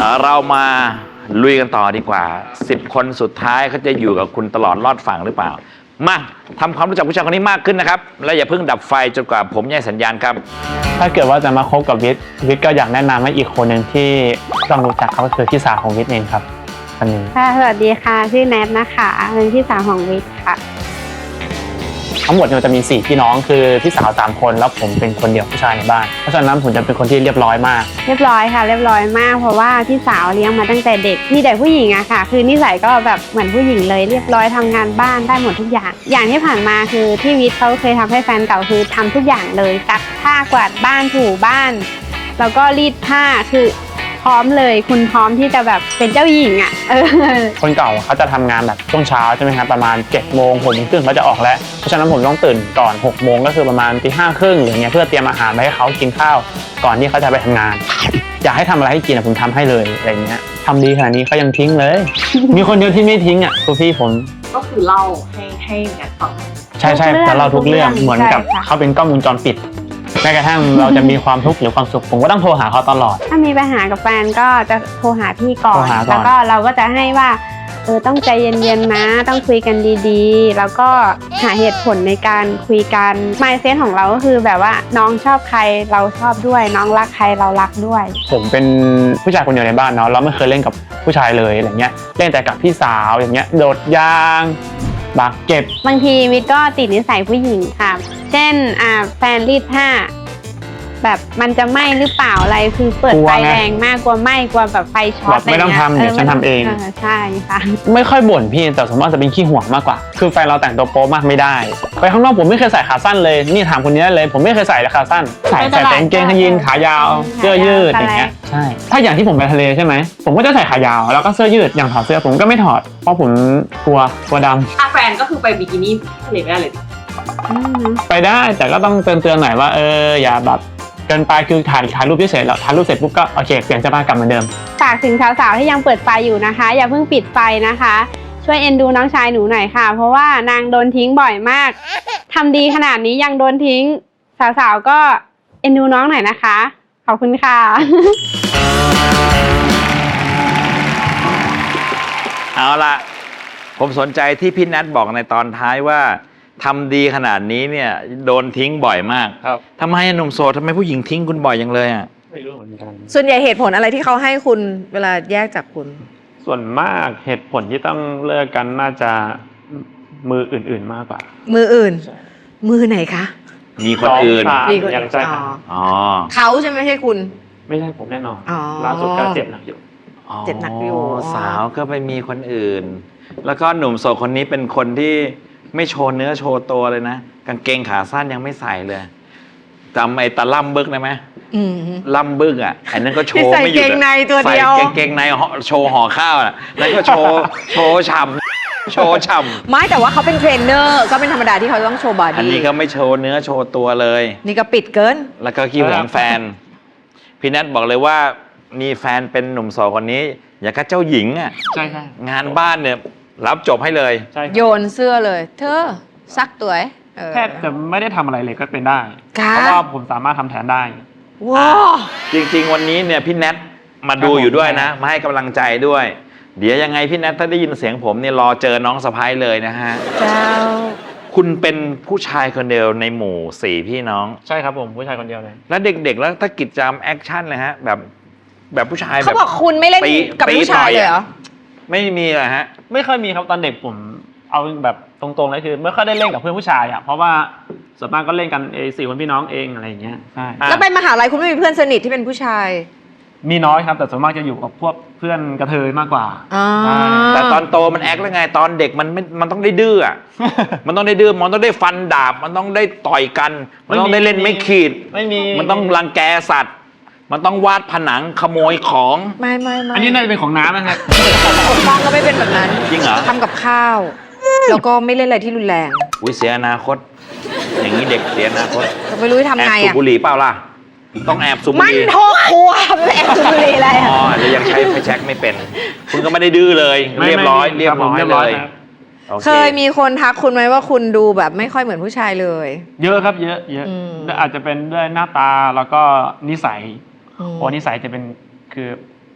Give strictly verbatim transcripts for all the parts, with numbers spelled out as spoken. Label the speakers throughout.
Speaker 1: เรามาลุยกันต่อดีกว่าสิบคนสุดท้ายเขาจะอยู่กับคุณตลอดรอดฝั่งหรือเปล่ามาทำความรู้จักผู้ชายคนนี้มากขึ้นนะครับและอย่าเพิ่งดับไฟจนกว่าผมแย่สัญญาณครับ
Speaker 2: ถ้าเกิดว่าจะมาคบกับวิทย์วิทย์ก็อยากแนะนำให้อีกคนหนึ่งที่ต้องรู้จักเขาก็คือพี่สาวของวิทย์เองครับคนนี้
Speaker 3: ค่ะสวัสดีค่ะชื่อแนทนะคะเป็นพี่สาวของวิทย์ค่ะ
Speaker 2: ทั้งหมดเนี่ยจะมีสี่พี่น้องคือพี่สาวสามคนแล้วผมเป็นคนเดียวผู้ชายในบ้านเพราะฉะนั้นผมจะเป็นคนที่เรียบร้อยมาก
Speaker 3: เรียบร้อยค่ะเรียบร้อยมากเพราะว่าพี่สาวเลี้ยงมาตั้งแต่เด็กมีแต่ผู้หญิงอะค่ะคือนิสัยก็แบบเหมือนผู้หญิงเลยเรียบร้อยทำงานบ้านได้หมดทุกอย่างอย่างที่ผ่านมาคือที่วิทย์เขาเคยทำให้แฟนเก่าคือทำทุกอย่างเลยซักผ้ากวาดบ้านถูบ้านแล้วก็รีดผ้าคือพร้อมเลยคุณพร้อมที่จะแบบเป็นเจ้าหญิงอ่ะเออ
Speaker 2: คนเก่าเขาจะทำงานแบบช่วงเช้าใช่ไหมครับประมาณเจ็ดโมงหกโมงครึ่งเขาจะออกแล้วเพราะฉะนั้นผมต้องตื่นก่อนหกโมงก็คือประมาณตีห้าครึ่งอย่างเงี้ยเพื่อเตรียมอาหารไปให้เขากินข้าวก่อนที่เขาจะไปทำงานอยากให้ทำอะไรให้กินผมทำให้เลยอะไรเงี้ยทำดีขนาดนี้เขายังทิ้งเลย มีคนเดียวที่ไม่ทิ้งอ่ะคือพี่ผม
Speaker 4: ก็คือเล่าให้ให้แนทฟัง
Speaker 2: ใช่ใช่จะเล่าทุกเรื่องเหมือนกับเขาเป็นกล้องวงจรปิดแม้กระทั่งเราจะมีความทุกข์หรือความสุขผมก็ต้องโทรหาเขาตลอด
Speaker 3: ถ้ามีปัญหากับแฟนก็จะโทรหาพี่ก่อนแล้วก็เราก็จะให้ว่าเออต้องใจเย็นๆนะต้องคุยกันดีๆแล้วก็หาเหตุผลในการคุยกัน mindset ของเราก็คือแบบว่าน้องชอบใครเราชอบด้วยน้องรักใครเรารักด้วย
Speaker 2: ผมเป็นผู้ชายคนเดียวในบ้านเนาะเราไม่เคยเล่นกับผู้ชายเลยอะไรเงี้ยเล่นแต่กับพี่สาวอย่างเงี้ยโดดยางบากเก็บบ
Speaker 3: างทีวิทย์ก็ติดนิสัยผู้หญิงค่ะเช่นอ่าแฟนรีดผ้าแบบมันจะไหม้หรือเปล่าอะไรคือเปิดไฟแรงมากกลัวไหม้กลัวแบบไฟช็อต
Speaker 2: ไม่ต้องทำเดี๋ยวฉันทำเอง
Speaker 3: ใช่ค่ะ
Speaker 2: ไม่ค่อยบ่นพี่แต่สมมติว่าจะเป็นขี้ห่วงมากกว่าคือแฟนเราแต่งตัวโป๊มากไม่ได้ไปข้างนอกผมไม่เคยใส่ขาสั้นเลยนี่ถามคนนี้เลยผมไม่เคยใส่ขาสั้นใส่แต่กางเกงยีนขายาวเสื้อยืดอย่างเงี้ยใช่ถ้าอย่างที่ผมไปทะเลใช่ไหมผมก็จะใส่ขายาวแล้วก็เสื้อยืดอย่างถอดเสื้อผมก็ไม่ถอดเพราะผมกลัวกลัวด
Speaker 4: ำแฟนก็คือไปบิกินี่ทะเลไม่ได้เลย
Speaker 2: ไปได้แต่ก็ต้องเตือนเตือนหน่อยว่าเอออย่าแบบเกินไปคือถ่ายถ่ายรูปเฉยๆแล้วถ่ายรูปเสร็จปุ๊บก็โอเคเปลี่ยนเสื้อผ้ากลับเหมือนเดิม
Speaker 3: ฝากถึงสาวๆที่ยังเปิดไฟอยู่นะคะอย่าเพิ่งปิดไฟนะคะช่วยเอ็นดูน้องชายหนูหน่อยค่ะเพราะว่านางโดนทิ้งบ่อยมากทำดีขนาดนี้ยังโดนทิ้งสาวๆก็เอ็นดูน้องหน่อยนะคะขอบคุณค่ะ
Speaker 1: เอาล่ะผมสนใจที่พี่นัทบอกในตอนท้ายว่าทำดีขนาดนี้เนี่ยโดนทิ้งบ่อยมาก
Speaker 2: ครับ
Speaker 1: ทำไมหนุ่มโสดทำไมผู้หญิงทิ้งคุณบ่อยอย่างเลยอ่ะ
Speaker 2: ไม่รู้เหมือนกัน
Speaker 4: ส่วนใหญ่เหตุผลอะไรที่เขาให้คุณเวลาแยกจากคุณ
Speaker 2: ส่วนมากเหตุผลที่ต้องเลิกกันน่าจะมืออื่นๆมากกว่า
Speaker 4: มืออื่นมือไหนคะ
Speaker 1: มีคนอื่น
Speaker 4: มีคนอื่น
Speaker 1: อ๋อ
Speaker 4: เขาใช่ไหมไม่ใช่คุณ
Speaker 2: ไม่ใช่ผมแน่นอนล่าสุดก็เจ็บหนักอยู่
Speaker 4: เจ็บหนักอยู่
Speaker 1: สาวก็ไปมีคนอื่นแล้วก็หนุ่มโสดคนนี้เป็นคนที่ไม่โชว์เนื้อโชว์ตัวเลยนะกางเกงขาสั้นยังไม่ใส่เลยจำไอ้ตะล่ำบึกได้ไหมล่ำบึกอ่ะไอ้นั่นก็โชว์ไม่หยุดใส่เกง
Speaker 4: ในตัวเดียว
Speaker 1: ใส่เกงในโชว์ห่อข้าวอ่ะนั่นก็โชว์โชว์ฉ่ำโชว์ฉ่ำ
Speaker 4: ไม่แต่ว่าเขาเป็นเทรนเนอร์ก็เป็นธรรมดาที่เขาต้องโชว์บอดี้
Speaker 1: อันนี้ก็ไม่โชว์เนื้อโชว์ตัวเลย
Speaker 4: นี่ก็ปิดเกิน
Speaker 1: แล้วก็ขี้หวงแฟนพี่นัทบอกเลยว่ามีแฟนเป็นหนุ่มโสดคนนี้อย่างกับเจ้าหญิงอ่ะ
Speaker 2: ใช่ใช่
Speaker 1: งานบ้านเนี่ยรับจบให้เลย
Speaker 4: โยนเสื้อเลยเธอซักตัว
Speaker 2: แทบจะไม่ได้ทำอะไรเลยก็เป็นได้เพราะว่าผมสามารถทำแทนได้
Speaker 4: ว้า
Speaker 1: จริงๆวันนี้เนี่ยพี่แนทมาดูอยู่ด้วยนะมาให้กำลังใจด้วยเดี๋ยวยังไงพี่แนทถ้าได้ยินเสียงผมเนี่ยรอเจอน้องสะพ้ายเลยนะฮะ
Speaker 4: เจ้า
Speaker 1: คุณเป็นผู้ชายคนเดียวในหมู่สี่พี่น้อง
Speaker 2: ใช่ครับผมผู้ชายคนเดียวเลย
Speaker 1: แล้วเด็กๆแล้วถ้ากิจกรรมแอคชั่นเลยฮะแบบแบบผู้ชายแบบ
Speaker 4: เขาบอกคุณไม่เล่นกับผู้ชายเลยเหรอ
Speaker 1: ไม่มีเหรอฮะ
Speaker 2: ไม่ค่อยมีครับตอนเด็กผมเอาแบบตรงๆเลยคือไม่ค่อยได้เล่นกับเพื่อนผู้ชายอ่ะเพราะว่าส่วนมากก็เล่นกันเอสี่คนพี่น้องเองอะไรอย่างเงี้ยใช่
Speaker 4: แล้วไปมหาลัยคุณไม่มีเพื่อนสนิทที่เป็นผู้ชาย
Speaker 2: มีน้อยครับแต่ส่วนมากจะอยู่กับพวกเพื่อนกระเทยมากกว่า
Speaker 1: แต่ตอนโตมันแอคแล้วไงตอนเด็กมันไม่มันต้องได้ดื้ออ่ะมันต้องได้ดื้อมันต้องได้ฟันดาบมันต้องได้ต่อยกันมันต้องได้เล่นไม่ขีด
Speaker 2: ไม่มี
Speaker 1: มันต้องรังแกสัตว์มันต้องวาดผนังขโมยของ
Speaker 4: ไม่ไม่ไม่
Speaker 2: อันนี้น่าจะเป็นของน้ำนะครับ
Speaker 4: ผมมองก็ไม่เป็นแบบนั้น
Speaker 1: จริงเหรอ
Speaker 4: ทำกับข้าวแล้วก็ไม่เล่นอะไรที่รุนแรง
Speaker 1: อุ้ยเสียอนาคตอย่างนี้เด็กเสียอนาคต
Speaker 4: ไม่รู้จะทำไงอ่ะ
Speaker 1: แอบสูบบุหรี่เปล่าล่ะต้องแอบสูบบุหรี่
Speaker 4: มันโทษครัวแอบสูบบุหรี่อะไร
Speaker 1: อ๋อแล้วยังใช้ไฟแช็กไม่เป็นคุณก็ไม่ได้ดื้อเลยเรียบร้อยเรียบร้อยเลย
Speaker 4: เคยมีคนทักคุณไหมว่าคุณดูแบบไม่ค่อยเหมือนผู้ชายเลย
Speaker 2: เยอะครับเยอะเยอะอาจจะเป็นด้วยหน้าตาแล้วก็นิสัยโอ้นิสัยจะเป็นคือ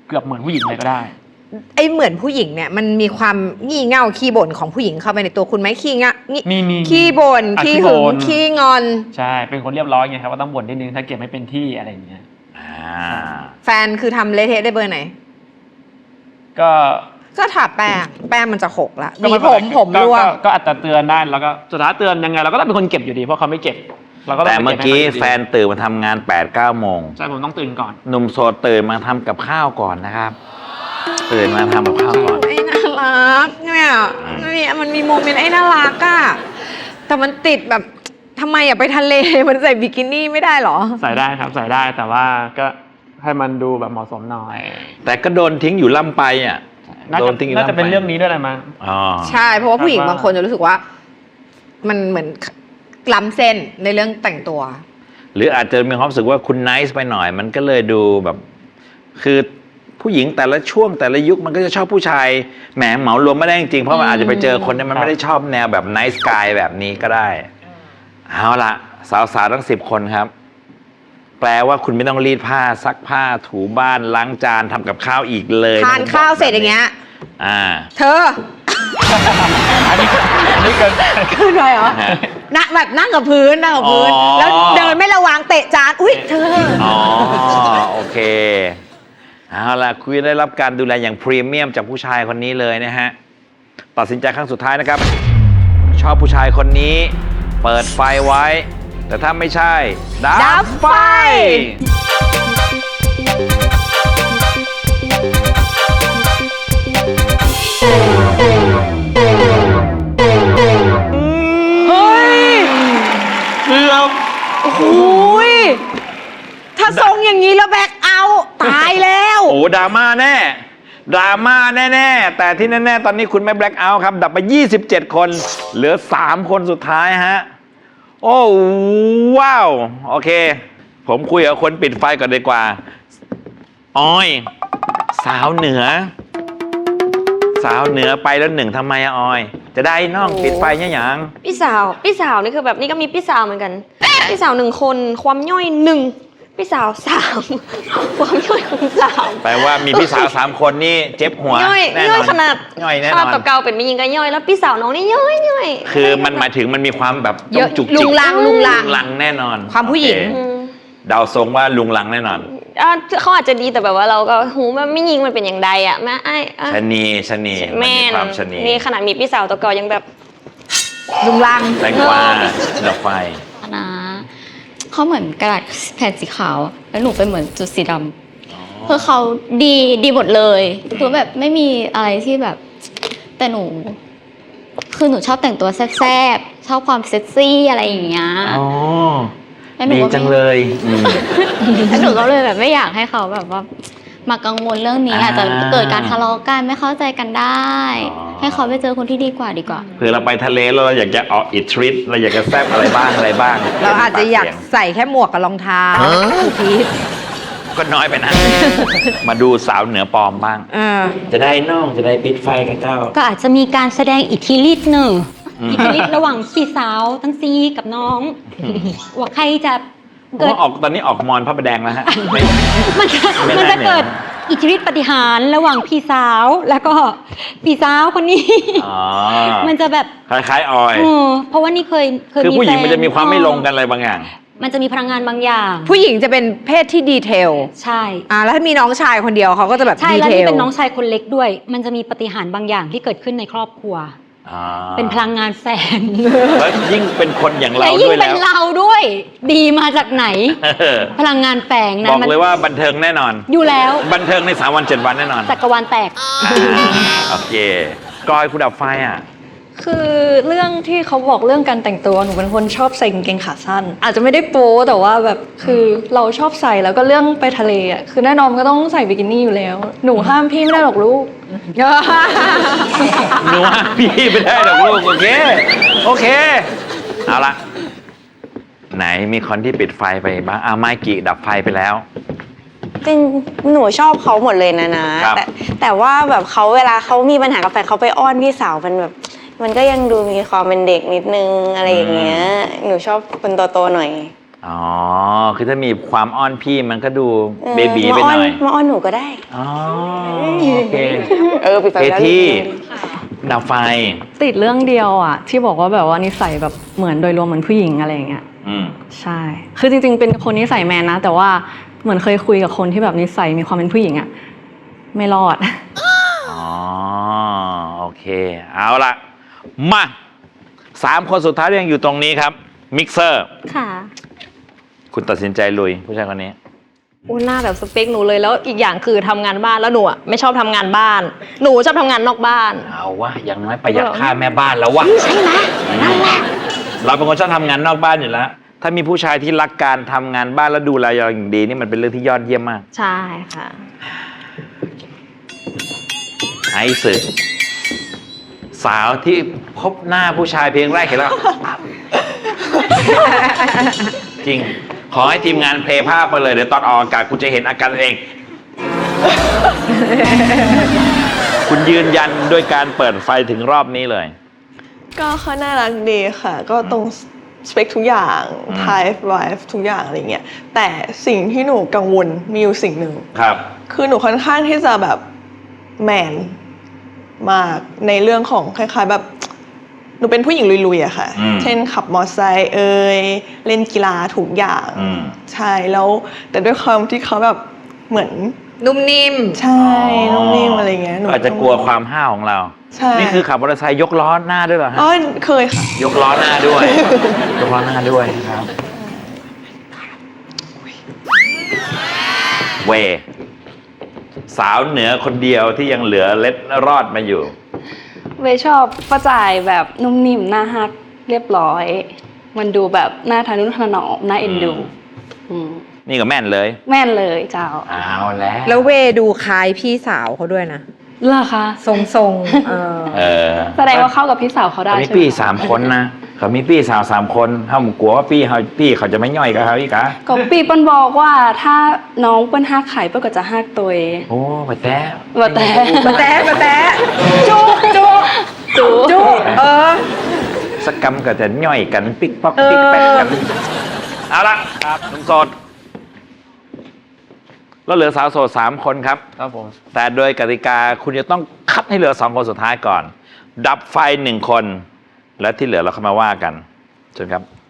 Speaker 2: เกือบเหมือนผู้หญิงเลยก็ได้
Speaker 4: ไอเหมือนผู้หญิงเนี่ยมันมีความงี่เง่าขี้บ่นของผู้หญิงเข้าไปในตัวคุณไหมขี้งะงี่
Speaker 2: มีมี
Speaker 4: ขี้บ่น
Speaker 2: อ่ะ
Speaker 4: ขี้
Speaker 2: ขี้
Speaker 4: หึ
Speaker 2: บ่
Speaker 4: ง
Speaker 2: น
Speaker 4: ขี้งอน
Speaker 2: ใช่เป็นคนเรียบร้อยไงครับก็ต้องบ่นนิดนึงถ้าเก็บไม่เป็นที่อะไรอย่างเงี้ย
Speaker 1: อ่า
Speaker 4: แฟนคือทำเละเทะได้เบอร์ไหน
Speaker 2: ก็
Speaker 4: ก็ทาแป้งแป้งมันจะหกละห
Speaker 2: ก็
Speaker 4: วี
Speaker 2: ไเป็น
Speaker 4: ผ
Speaker 2: ไร
Speaker 4: มผม
Speaker 2: ก็
Speaker 4: ร่วง
Speaker 2: ก็ก็อาจจะเตือนได้แล้วก็สุดท้ายเตือนยังไงเราก็ต้องเป็นคนเก็บอยู่ดีเพราะเขาไม่เก็บเราก็ต้อง
Speaker 1: แต่
Speaker 2: ไป
Speaker 1: เมื่อ
Speaker 2: ก็บ
Speaker 1: กี้
Speaker 2: ให้ขายู่ดี
Speaker 1: แฟนตื่นมาทำงาน8ปดเก้าโมง
Speaker 2: ใช่ผมต้องตื่นก่อน
Speaker 1: หนุ่มโสดตื่นมาทำกับข้าวก่อนนะครับ ตื่นมาทำกับข้าวก่อน
Speaker 4: ไอ้น่ารักเนี่ยเนี่ยมันมีโมเมนต์ไอ้น่ารักอะแต่มันติดแบบทำไมอะไปทะเล มันใส่บิกินี่ไม่ได้เหรอ
Speaker 2: ใส่ได้ครับใส่ได้แต่ว่าก็ให้มันดูแบบเหมาะสมหน่อย
Speaker 1: แต่ก็โดนทิ้งอยู่ล่ำไปอ่ะ
Speaker 2: น่า
Speaker 1: โด
Speaker 2: จะ
Speaker 1: นทิ้งอยู่
Speaker 2: น่า
Speaker 1: ล่ำไป
Speaker 2: จะเป็นเรื่องนี้ด้วยแหละมั้ง
Speaker 1: อ๋อ
Speaker 4: ใช่เพราะว่าผู้หญิง
Speaker 2: ครับว่า
Speaker 4: บางคนจะรู้สึกว่า มันเหมือนล้ำเส้นในเรื่องแต่งตัว
Speaker 1: หรืออาจจะมีความรู้สึกว่าคุณไนซ์ไปหน่อย มันก็เลยดูแบบ คือผู้หญิงแต่ละช่วงแต่ละยุคมันก็จะชอบผู้ชายแหมเหมารวมไม่ได้จริงๆเพราะมันอาจจะไปเจอคนที่มันไม่ได้ชอบแนวแบบไนซ์กายแบบนี้ก็ได้ เอาละสาวๆทั้งสิบคนครับ แปลว่าคุณไม่ต้องรีดผ้าซักผ้าถูบ้านล้างจานทำกับข้าวอีกเลย
Speaker 4: ทานข้าวเสร็จอย่างเงี้ย
Speaker 1: อ่า
Speaker 4: เธอ
Speaker 2: อันนี้อันนี้เกิน
Speaker 4: ขึ้นไปเหรอนั่งแบบนั่งกับพื้นนั่งกับพื้น
Speaker 1: อ๋อ
Speaker 4: แล้วเดินไม่ระวังเตะจานอุ๊ยเธอ
Speaker 1: อ๋อโอเคเอาล่ะคุณได้รับการดูแลอย่างพรีเมียมจากผู้ชายคนนี้เลยนะฮะตัดสินใจครั้งสุดท้ายนะครับ ชอบผู้ชายคนนี้ เปิดไฟไว้ แต่ถ้าไม่ใช่ ดั
Speaker 4: ดั
Speaker 1: บบ ไฟ
Speaker 4: ไฟ เฮ้ย
Speaker 1: เกือบ
Speaker 4: โอ้โหยถ้าทรงอย่างนี้แล้วแบกเอาท์ตายแล้ว
Speaker 1: โอ้ดราม่าแน่ดราม่าแน่ๆ แต่ที่แน่ๆ ตอนนี้คุณไม่แบล็คเอาท์ครับ ดับไป ยี่สิบเจ็ด คน เหลือ สาม คนสุดท้ายฮะ โอ้ว้าว โอเค ผมคุยกับคนปิดไฟก่อนดีกว่าออย สาวเหนือ สาวเหนือไปแล้วหนึ่งทำไมอะออย จะได้น้องปิดไฟเนี่ยยัง
Speaker 5: พี่สาว พี่สาวนี่คือแบบนี่ก็มีพี่สาวเหมือนกัน พี่สาวหนึ่งคน ความย่อยหนึ่ง พี่สาวสาม ความย่อยของสาม
Speaker 1: แปลว่ามีพี่สาวสามคนนี่เจ็บหัว
Speaker 5: ย่อย
Speaker 1: แน่น
Speaker 5: ย่
Speaker 1: อ
Speaker 5: อย
Speaker 1: น
Speaker 5: ขนาด
Speaker 1: ย่อยแน่
Speaker 5: ข
Speaker 1: น
Speaker 5: นาด
Speaker 1: อน
Speaker 5: ตัวเก่าเป็นไม่ยิงก็ย่อย แล้วพี่สาวน้องนี่ย่อยย่อย
Speaker 1: คือมันหมายถึงมันมีความแบบ
Speaker 4: เยอะ
Speaker 1: จุก
Speaker 4: ลุ
Speaker 1: จิก
Speaker 4: งลังลุงลัง
Speaker 1: ลุงลังแน่นอน
Speaker 4: ความผู้หญิง
Speaker 1: โอเค
Speaker 5: อืม
Speaker 1: เดาทรงว่าลุงลังแน่นอน
Speaker 5: อ่ะเขาอาจจะดีแต่แบบว่าเราก็หูมันไม่ยิงมันเป็นอย่างใดอ่ะแม่ไอ้อ่ะ
Speaker 1: ชะนีชะนี
Speaker 5: แม่
Speaker 1: น
Speaker 5: น
Speaker 1: มีความชะนี
Speaker 5: นี่ขนาดมีพี่สาวตัวเก่ายังแบบ
Speaker 4: ลุงลัง
Speaker 1: แตงกวาดอกไฟ
Speaker 6: นะเขาเหมือนกระดาษแผ่นสีขาว แล้วหนูเป็นเหมือนจุดสีดำคือเขาดีดีหมดเลยคือแบบไม่มีอะไรที่แบบ แต่หนู คือหนูชอบแต่งตัวแซ่บๆชอบความเซ็กซี่อะไรอย่างเงี้ย
Speaker 1: อ๋อ
Speaker 6: แล้วหนู
Speaker 1: ดี
Speaker 6: ก็
Speaker 1: จัง
Speaker 6: ไม่
Speaker 1: เลยอืม
Speaker 6: แล้วหนูก็เลยแบบไม่อยากให้เขาแบบว่า มากังวลเรื่องนี้
Speaker 1: อ่า
Speaker 6: อาจจะเกิดการทะเลาะกันไม่เข้าใจกันได้
Speaker 1: อ๋อ
Speaker 6: ให้เขาไปเจอคนที่ดีกว่าดีกว่า
Speaker 1: เผื่อเราไปทะเลแล้วเราอยากจะออกอิทริตเราอยากจะแซบอะไรบ้างอะไรบ้าง
Speaker 4: เราอาจจะอยากใส่แค่หมวกกับรองเท้าถูพีท
Speaker 1: ก็น้อยไปนะ มาดูสาวเหนือปลอมบ้าง
Speaker 4: เออ
Speaker 1: จะได้น้องจะได้ปิดไฟกันเจ้า
Speaker 7: ก็อาจจะมีการแสดงอิทธิฤทธิ์หนึ่ง
Speaker 1: อืม
Speaker 7: อิทธิฤทธิ์ระหว่างพี่สาวทั้งซีกับน้องว่าใครจะ
Speaker 1: ผม
Speaker 7: เกิด
Speaker 1: ว่าออกตอนนี้ออกมอนพระประแดงแล้วฮะ
Speaker 7: มันจะ
Speaker 1: ไม่
Speaker 7: มัน
Speaker 1: ได้
Speaker 7: จะเกิด
Speaker 1: เนี่ย
Speaker 7: อิทธิฤทธิ์ปฏิหารย์ระหว่างพี่สาวแล้วก็พี่สาวคนนี้
Speaker 1: อ๋อ
Speaker 7: มันจะแบบ
Speaker 1: คล้ายๆออย
Speaker 7: เออเพราะว่านี่เคยเคย
Speaker 1: คือผู้หญิง
Speaker 7: แฟ
Speaker 1: มันจะมีความไม่ลงกันอะไรบางอย่าง
Speaker 7: มันจะมีพลังงานบางอย่าง
Speaker 4: ผู้หญิงจะเป็นเพศที่ดีเทล
Speaker 7: ใช่
Speaker 4: อ่าแล้วถ้ามีน้องชายคนเดียวเขาก็จะแบบ
Speaker 7: ใช่
Speaker 4: ดี
Speaker 7: แล้ว
Speaker 4: เท
Speaker 7: นี่
Speaker 4: ล
Speaker 7: เป็นน้องชายคนเล็กด้วย มันจะมีปฏิหารย์บางอย่างที่เกิดขึ้นในครอบครัว
Speaker 1: อ่า
Speaker 7: เป็นพลังงานแฝง
Speaker 1: แล้วยิ่งเป็นคนอย่างเรา
Speaker 7: และยิ่ง
Speaker 1: ด้วย
Speaker 7: เป็
Speaker 1: แล้
Speaker 7: น
Speaker 1: ว
Speaker 7: เราด้วย ดีมาจากไหน
Speaker 1: เออ
Speaker 7: พลังงานแฝงนะ
Speaker 1: บอก
Speaker 7: มัน
Speaker 1: เลยว่าบันเทิงแน่นอน
Speaker 7: อยู่แล้ว
Speaker 1: บันเทิงในสามวันเจ็ดวันแน่นอน
Speaker 7: จักรวาลแตก
Speaker 1: อ่าโอเคกอยคุณดับไฟอ่ะ
Speaker 8: คือเรื่องที่เขาบอกเรื่องการแต่งตัวหนูเป็นคนชอบใส่กางเกงขาสั้น อาจจะไม่ได้โป๊แต่ว่าแบบคือเราชอบใส่แล้วก็เรื่องไปทะเลอ่ะคือแน่นอนก็ต้องใส่บิกินี่อยู่แล้ว หนูห้ามพี่ไม่ได้หรอกลูก
Speaker 1: หนูว่าพี่ไม่ได้หรอกลูกโอเค โอเค เอาละไหนมีคนที่ปิดไฟไปบ้างอ่าไมกี้ดับไฟไปแล้ว
Speaker 5: จริงหนูชอบเขาหมดเลยนะนะ
Speaker 1: ครับ
Speaker 5: แต่แต่ว่าแบบเขาเวลาเขามีปัญหากับแฟนเขาไปอ้อนพี่สาวมันแบบ มันก็ยังดูมีความเป็นเด็กนิดนึงอะไรอย่างเงี้ยหนูชอบคนโตๆหน่อย
Speaker 1: อ๋อ คือถ้ามีความอ้อนพี่มันก็ดูเบบีไปหน่อย
Speaker 5: มาอ้อนหนูก็ได้
Speaker 1: อ๋อ โอเค
Speaker 5: เออปิดไฟ
Speaker 1: เค
Speaker 5: แล้ว
Speaker 1: ที่ดับไฟ
Speaker 8: ติดเรื่องเดียวอ่ะที่บอกว่าแบบว่านิสัยแบบเหมือนโดยรวมเหมือนผู้หญิงอะไรอย่างเงี้ย
Speaker 1: อืม
Speaker 8: ใช่ คือจริงๆเป็นคนนิสัยแมนนะ แต่ว่าเหมือนเคยคุยกับคนที่แบบนิสัยมีความเป็นผู้หญิงอ่ะไม่รอด
Speaker 1: อ๋อ โอเค เอาละมาสามคนสุดท้ายที่ยังอยู่ตรงนี้ครับ มิกเซอร์
Speaker 7: ค่ะ
Speaker 1: คุณตัดสินใจลุย ผู้ชายคนนี้
Speaker 5: อุ้ยหน้าแบบสเปคหนูเลยแล้วอีกอย่างคือทำงานบ้านแล้วหนูอะไม่ชอบทำงานบ้าน หนูชอบทำงานนอกบ้าน
Speaker 1: เอาวะอย่างน้อยประหยัดค่าแม่บ้านแล้ววะใช่ไหมนั่นแหละเราเป็นคนชอบทำงานนอกบ้านอยู่แล้ว ถ้ามีผู้ชายที่รักการทำงานบ้านแล้วดูแลเราอย่างดีนี่มันเป็นเรื่องที่ยอดเยี่ยมมาก
Speaker 5: ใช่ค่ะ
Speaker 1: ไอซ์สาวที่พบหน้าผู้ชายเพียงแรกเห็นแล้ว จริง ขอให้ทีมงานเพลย์ภาพมาเลย เดี๋ยวตอนออกอากาศคุณจะเห็นอาการเอง คุณยืนยันด้วยการเปิดไฟถึงรอบนี้เลย
Speaker 9: ก็เขาน่ารักดีค่ะ ก็ตรงสเปคทุกอย่าง
Speaker 1: อืม
Speaker 9: type wife ทุกอย่างอะไรเงี้ยแต่สิ่งที่หนูกังวลมีอยู่สิ่งหนึ่ง
Speaker 1: ครับ
Speaker 9: คือหนูค่อนข้างที่จะแบบแมนมากในเรื่องของคล้ายๆแบบหนูเป็นผู้หญิงลุยๆอะค่ะ
Speaker 1: อืม
Speaker 9: เช่นขับมอเตอร์ไซค์เอ่ยเล่นกีฬาทุกอย่าง
Speaker 1: อืม
Speaker 9: ใช่แล้วแต่ด้วยความที่เขาแบบเหมือน
Speaker 4: นุ่มนิ่ม
Speaker 9: ใช่นุ่มนิ่มอะไรเงี้ยหนู
Speaker 1: อาจจะกลัวความห้าวของเรา
Speaker 9: ใช่
Speaker 1: นี่คือขับมอเตอร์ไซค์ยกล้อหน้าด้วยเหรอฮะ
Speaker 9: อ๋อเคยค่ะ
Speaker 1: ยกล้อหน้าด้วย ยกล้อหน้าด้วยครับ เว สาวเหนือคนเดียวที่ยังเหลือเล็ดรอดมาอยู่
Speaker 8: เวย์ชอบป้าจ่ายแบบนุ่มนิ่มน่าฮักเรียบร้อย มันดูแบบน่าทานุถนอมน่าเอ็นดู
Speaker 1: อืม
Speaker 8: อืม
Speaker 1: นี่ก็แม่นเลย
Speaker 8: แม่นเลยเจ้า
Speaker 1: เอาแล้ว
Speaker 4: แล้วเวดูคล้ายพี่สาวเขาด้วยนะ
Speaker 8: เหรอคะ
Speaker 4: ทรงๆ เออ
Speaker 1: เออ
Speaker 8: แสดงว่าเข้ากับพี่สาวเขาได้
Speaker 1: เขามี
Speaker 8: ใช่ไหม
Speaker 1: พี่สามคนนะเขามีพี่สาวสามคนเขากลัวว่าพี่เขาพี่เขาจะไม่ย่อยกับเขาอีกอะ
Speaker 8: ก็ปีเปิ้นบอกว่าถ้าน้องเปิ้นฮักไข่เปิ้นก็จะฮักตัวเอง
Speaker 1: โอ้ไปแต้
Speaker 8: ว่าแต่
Speaker 4: มาแตะมาแตะจุกจุก
Speaker 8: จู
Speaker 4: จุกเออ
Speaker 1: สักกรรมก็จะย่อยกันปิ๊กป๊อกปิ๊กแป๊กกัน เอาละครับหนุ่มโสดแล้วเหลือสาวโสดสามคนครับ
Speaker 2: ครับผม
Speaker 1: แต่โดยกติกาคุณจะต้องคัดให้เหลือสองคนสุดท้ายก่อน ดับไฟหนึ่งคน และที่เหลือเราเข้ามาว่ากันเชิญครับ